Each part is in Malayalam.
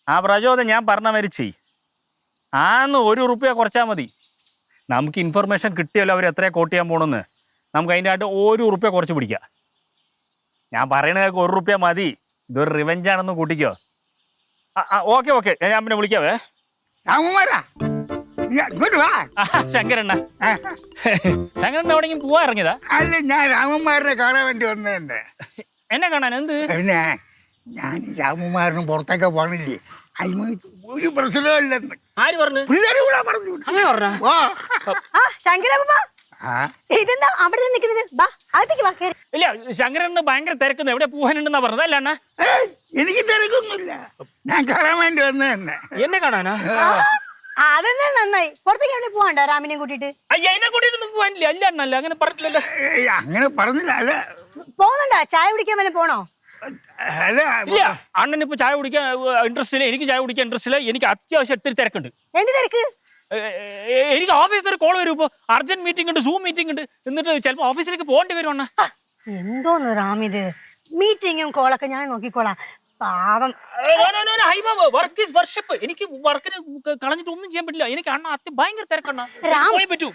ആ പ്രചോദനം ഞാൻ പറഞ്ഞ മാതിരി ചെയ്. ആന്ന് ₹1 കുറച്ചാൽ മതി. നമുക്ക് ഇൻഫർമേഷൻ കിട്ടിയല്ലോ അവർ എത്രയാണ് കോട്ട് ചെയ്യാൻ പോകണമെന്ന്. നമുക്ക് അതിൻ്റെ ആയിട്ട് ₹1 കുറച്ച് പിടിക്കാം. ഞാൻ പറയണതൊക്കെ ₹1 മതി. ഇതൊരു റിവെഞ്ചാണെന്ന് കൂട്ടിക്കോ. ഓക്കെ ഞാൻ പിന്നെ വിളിക്കാവേ. ശങ്കരണ്ണ എവിടെയെങ്കിലും പോവാൻ ഇറങ്ങിയതാ? അല്ല, ഞാൻ രാമന്മാരനെ കാണാൻ വേണ്ടി വന്നതന്നെ. എന്നെ കാണാൻ? എന്ത്? പിന്നെ ഞാൻ രാമന്മാരനും പുറത്തൊക്കെ പോണില്ലേ, അതിന് ഒരു പ്രശ്നമില്ലെന്ന്. ആര് പറഞ്ഞു? പിള്ളേര് കൂടെ പറഞ്ഞു. ഇതെന്താ അവിടെ നിൽക്കുന്നത്? ഇല്ല, ശങ്കരന് ഭയങ്കര തിരക്കുന്ന. എവിടെ പോകാനുണ്ടെന്നാ പറഞ്ഞത്? അല്ല അണ്ണ, എനിക്ക് തിരക്കൊന്നുമില്ല, ഞാൻ കാണാൻ വേണ്ടി വന്നതന്നെ. എന്നെ കാണാനാ? അതെന്നാ നന്നായി. പുറത്തേക്ക് എവിടെ പോവാണ്ടോ രാമിനെ കൂട്ടിട്ട്? അയ്യ, എന്നെ കൂട്ടിട്ടൊന്നും പോവാനില്ല. അല്ല അണ്ണല്ല, അങ്ങനെ പറഞ്ഞില്ലല്ലോ. അങ്ങനെ പറഞ്ഞില്ല. അല്ല, പോകുന്നുണ്ടോ? ചായ കുടിക്കാൻ വല്ല പോണോ? അല്ല, ഇല്ല, അണ്ണൻ ഇപ്പൊ ചായ കുടിക്കാൻ ഇൻട്രസ്റ്റ് ഇല്ല. എനിക്ക് ചായ കുടിക്കാൻ ഇൻട്രസ്റ്റ് ഇല്ല. എനിക്ക് അത്യാവശ്യം ഒത്തിരി തിരക്കുണ്ട്. എന്ത് തിരക്ക്? എനിക്ക് ഓഫീസിൽ ഒരു കോൾ വരും. ഇപ്പൊ അർജന്റ് മീറ്റിംഗ് ഉണ്ട്, സൂം മീറ്റിംഗ് ഉണ്ട്. എന്നിട്ട് ചിലപ്പോ ഓഫീസിലേക്ക് പോകേണ്ടി വരും. അണ്ണ എന്തോന്ന് റാമിത്, മീറ്റിങ്ങും കോളൊക്കെ ഞാൻ നോക്കിക്കോളാം. പാവം. Work is worship. എനിക്ക് വർക്കിന് കളഞ്ഞിട്ട് ഒന്നും ചെയ്യാൻ പറ്റില്ല. എനിക്ക് അണ്ണ ഭയങ്കര തിരക്കണ്ണ. പറ്റൂ.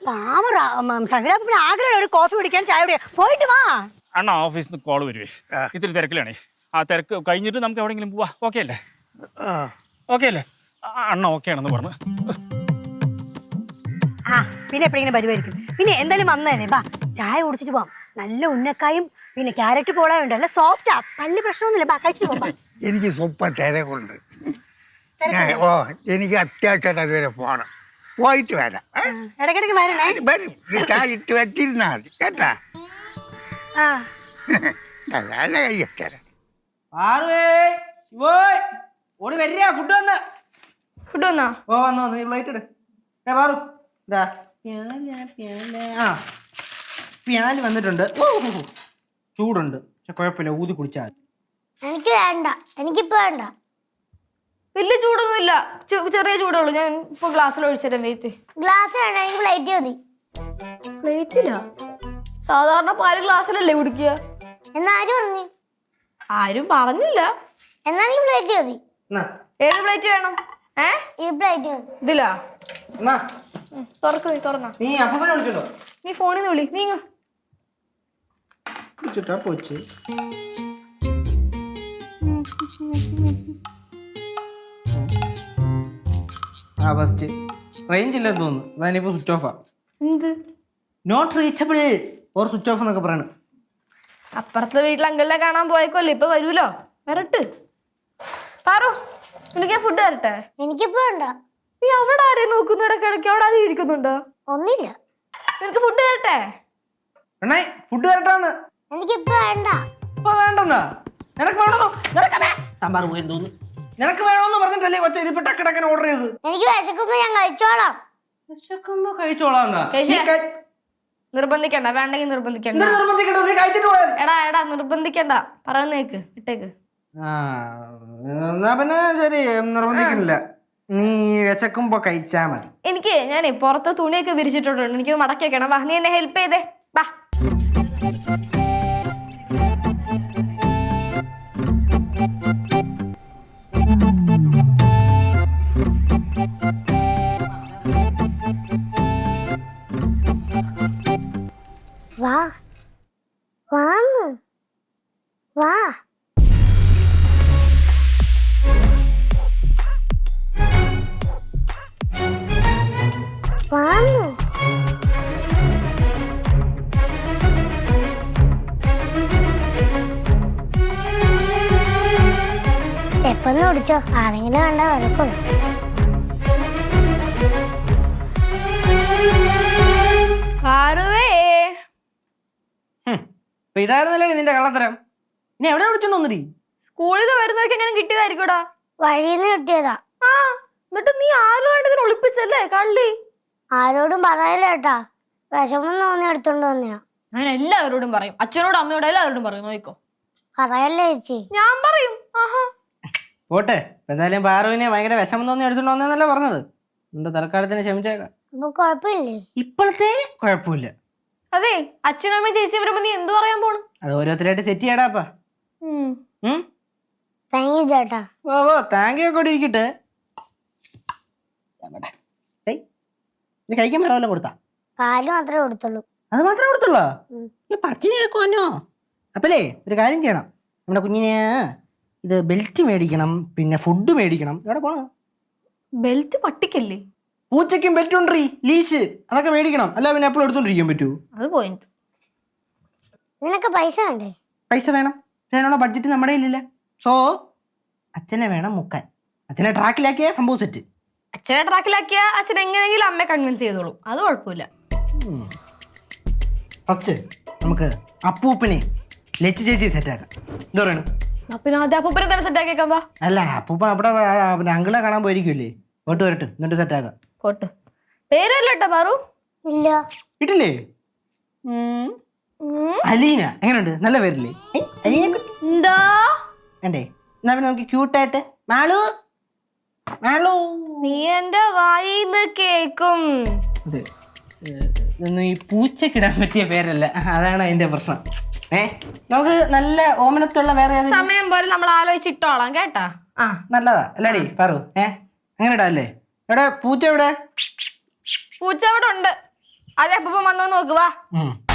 ആഗ്രഹം ഒരു കോഫി കുടിക്കാൻ, ചായ കുടിക്കാൻ. പോയിട്ട് വാ. അണ്ണ ഓഫീസിൽ നിന്ന് കോൾ വരുവേ. ഇത്തിരി തിരക്കിലാണേ. ആ തിരക്ക് കഴിഞ്ഞിട്ട് നമുക്ക് എവിടെയെങ്കിലും പോവാ. ഓക്കെ അല്ലേ? ഓക്കെ അല്ലേ? അണ്ണ ഓക്കെ ആണെന്ന് പറഞ്ഞു. പിന്നെ എപ്പോഴെങ്കിലും വരുമായിരിക്കും. പിന്നെ എന്തായാലും വന്നതല്ലേ, ബാ ചായ കുടിച്ചിട്ട് പോവാം. നല്ല ഉന്നക്കായും പിന്നെ ക്യാരറ്റ് പോളായും ഉണ്ട്. നല്ല സോഫ്റ്റാ, പള്ളി പ്രശ്നമൊന്നുമില്ല. ബാ കഴിച്ചിട്ട് പോവാം. എനിക്ക് സ്വപ്പം തിരക്കുണ്ട്. എനിക്ക് അത്യാവശ്യമായിട്ട് അതുവരെ പോകണം. പോയിട്ട് വരാം. ഇടയ്ക്കിടയ്ക്ക് വരണേ. വരും. ചായ ഇട്ട് വെച്ചിരുന്നാ മതി കേട്ടാ. നല്ല കൈ വെച്ചേരാ. ഓടി വരിക. ഫുഡ് വന്നോ? ഓ വന്നു. നീ പ്ലേറ്റ് ഇട്. പാറു ഇതാ പ്യാല് വന്നിട്ടുണ്ട്. ചൂടുണ്ട്, പക്ഷെ കുഴപ്പമില്ല, ഊതി കുടിച്ചാൽ. എനിക്ക് വേണ്ട, എനിക്കിപ്പോ വേണ്ട. വലിയ ചൂടൊന്നുമില്ല, ചെറിയ ചൂടുള്ളൂ. ഞാൻ ഇപ്പൊ ഗ്ലാസ്സിൽ ഒഴിച്ചിട്ട് വെയിറ്റ്. ഗ്ലാസ് വേണ്ട, എനിക്ക് പ്ലേറ്റ് മതി. പ്ലേറ്റില്ല? സാധാരണ പാല് ഗ്ലാസ്സിലല്ലേ കുടിക്കുക. എന്നാരും പറഞ്ഞു? ആരും പറഞ്ഞില്ല. എന്നാലും പ്ലേറ്റ് മതി. ഏത് പ്ലേറ്റ് വേണം? ഈ പ്ലേറ്റ് മതി. ഇതിലാ? തുറന്നാ നീ അപ്പൊ വിളിച്ചോ? നീ ഫോണിൽ നിന്ന് വിളി. നീങ്ങ പോച്ച്. ഫസ്റ്റ് റേഞ്ച് ഇല്ലെന്ന് തോന്നുന്നു. അതാനിപ്പോ സ്വിച്ച് ഓഫാ. എന്ത് not reachable or switch off എന്നൊക്കെ പറയണ. അപ്പുറത്തെ വീട്ടിൽ അങ്കിളിനെ കാണാൻ പോയേക്കോല്ലേ, ഇപ്പൊ വരൂലോ. വരട്ട്. പാറു, നിനക്ക് ഞാൻ ഫുഡ് തരട്ടെ? എനിക്കിപ്പോ വേണ്ട. നീ അവിടെ ആരെയും നോക്കുന്നു? ഇടയ്ക്കിടയ്ക്ക് അവിടെ ആരെയും ഇരിക്കുന്നുണ്ടോ? ഒന്നില്ല. നിനക്ക് ഫുഡ് തരട്ടെ? എണ്ണേ ഫുഡ് തരട്ടാന്ന്. എനിക്കിപ്പോ വേണ്ട. ഇപ്പൊ വേണ്ടെന്നാ? നിനക്ക് വേണമെന്നോ? സാമ്പാർ പോയി തോന്നുന്നു. നിനക്ക് വേണമെന്ന് പറഞ്ഞിട്ടല്ലേ കൊച്ച ഇരിപ്പ് ടക്കടക്കനെ ഓർഡർ ചെയ്ത്? എനിക്ക് വിശക്കുമ്പോ ഞാൻ കഴിച്ചോളാം. വിശക്കുമ്പോ കഴിച്ചോളാന്നാ? നിർബന്ധിക്കണ്ട. വേണ്ടെങ്കിൽ നിർബന്ധിക്കണ്ട. നീ കഴിച്ചിട്ട് പോയത്. എടാ നിർബന്ധിക്കണ്ട. പറയുന്നേക്ക്, ഇട്ടേക്ക്. എന്നാ പിന്നെ ശരി, നിർബന്ധിക്കുന്നില്ല. നീ വിശക്കുമ്പോ കഴിച്ചാ മതി. എനിക്ക് ഞാനേ പുറത്ത് തുണിയൊക്കെ വിരിച്ചിട്ടുണ്ട്, എനിക്ക് മടക്കി വെക്കണം. വാ, നീ എന്നെ ഹെൽപ്പ് ചെയ്തേ. വാ. വാ വാന്ന് വാ. വാന്ന്. എപ്പൊന്ന് ഓടിച്ചോ, ആരെങ്കിലും കണ്ട വരക്കുള്ളൂ. ഇതായിരുന്നല്ലേ നിന്റെ കള്ളത്തരം. ഇനി എവിടെ വിളിച്ചോണ്ട് വന്നിരി? സ്കൂളിൽ വരുന്നവർക്ക് എങ്ങനെ കിട്ടിയതായിരിക്കൂടാ? വഴിന്ന് കിട്ടിയതാ. ആ, എന്നിട്ട് നീ ആരും വേണ്ടതിന് ഒളിപ്പിച്ചല്ലേ കള്ളി? ആരോടും പറയല്ല കേട്ടാ, വിഷമം തോന്നി എടുത്തോണ്ട് വന്നെയാ. ഞാൻ എല്ലാവരോടും പറയും, അച്ഛനോടും അമ്മയോടും എല്ലാവരോടും പറയും. നോക്കോ. പറയല്ലേ ചേച്ചി? ഞാൻ പറയും. പോട്ടെ, എന്തായാലും പാറുവിനെ ഭയങ്കര വിഷമം തോന്നി എടുത്തോണ്ട് വന്നേന്നല്ലേ പറഞ്ഞത്. എന്റെ തൽക്കാലത്തിന് ക്ഷമിച്ചേക്കാം. അപ്പൊ കുഴപ്പമില്ലേ? ഇപ്പോഴത്തെ കുഴപ്പമില്ല. അതെ, അച്ഛനും അമ്മയും ചേച്ചി വരുമ്പോ നീ എന്ത് പറയാൻ പോണു? അത് ഓരോരുത്തരായിട്ട് സെറ്റ് ചെയ്യടാപ്പാ. താങ്ക് യു ചേട്ടാ. ഓ താങ്ക് യു ഒക്കെ ഇവിടെ ഇരിക്കട്ടെ. ഇത് കഴിക്കാൻ വേറെ വല്ലതും കൊടുത്താ? പാല് മാത്രമേ കൊടുത്തുള്ളൂ. അത് മാത്രമേ കൊടുത്തുള്ളൂ? പച്ചിന് കേൾക്കുവാനോ? അപ്പല്ലേ ഒരു കാര്യം ചെയ്യണം, നമ്മുടെ കുഞ്ഞിന് ഇത് ബെൽറ്റ് മേടിക്കണം, പിന്നെ ഫുഡ് മേടിക്കണം. എവിടെ പോണോ? ബെൽറ്റ് പട്ടിക്കല്ലേ? പൂച്ചയ്ക്കും ബെൽറ്റ് ഉണ്ടീ, ലീശ്, അതൊക്കെ മേടിക്കണം. അല്ല പിന്നെ എപ്പോഴും എടുത്തോണ്ടിരിക്കാൻ പറ്റൂ? അത് പോയിന്റ്. നിനക്ക് പൈസ വേണ്ടേ? പൈസ വേണം. അതിനുള്ള ബഡ്ജറ്റ് നമ്മുടെ ഇല്ലില്ല. സോ അച്ഛനെ വേണം മുക്കാൻ. അച്ഛനെ ട്രാക്കിലാക്കിയ സംഭവം സെറ്റ്. അച്ഛനെ ട്രാക്കിലാക്കിയ അച്ഛൻ എങ്ങനെയെങ്കിലും അമ്മയെ കൺവിൻസ് ചെയ്തോളൂ, അത് കുഴപ്പമില്ല. ഫസ്റ്റ് നമുക്ക് അപ്പൂപ്പനെ ലച്ചു ചേച്ചി സെറ്റാക്കാം. എന്താ പറയണു? പിന്നെ ആദ്യം അപ്പൂപ്പനെ തന്നെ സെറ്റ് ആക്കിയേക്കാം. വാ. അല്ല അപ്പൂപ്പ അവിടെ പിന്നെ അങ്കിളെ കാണാൻ പോയിരിക്കുമല്ലേ, പോട്ട് വരട്ടെ, എന്നിട്ട് സെറ്റാക്കാം. പോട്ട്. പേരല്ലോ കേട്ടോ പാറു. ഇല്ല. വീട്ടില്ലേ? അലീന എങ്ങനെയുണ്ട്? നല്ല പേരില്ലേ? അലീന എന്താ വേണ്ടേ? എന്നാ പിന്നെ നമുക്ക് ക്യൂട്ടായിട്ട് മാളു മാളു. നീ എന്റെ വായിന്ന് കേക്കും. അതെ, ഇതൊന്നും ഈ പൂച്ചക്കിടാൻ പറ്റിയ പേരല്ല, അതാണ് അതിന്റെ പ്രശ്നം. നമുക്ക് നല്ല ഓമനത്തുള്ള വേറെ സമയം പോലെ നമ്മൾ ആലോചിച്ചിട്ടോളാം കേട്ടാ. ആ നല്ലതാ അല്ലേടി പറു? അങ്ങനെ ഇടാല്ലേ? എവിടെ പൂച്ച? എവിടെ പൂച്ച അവിടെ ഉണ്ട്. അതെ അപ്പൂപ്പൻ വന്നോ നോക്കുവാ.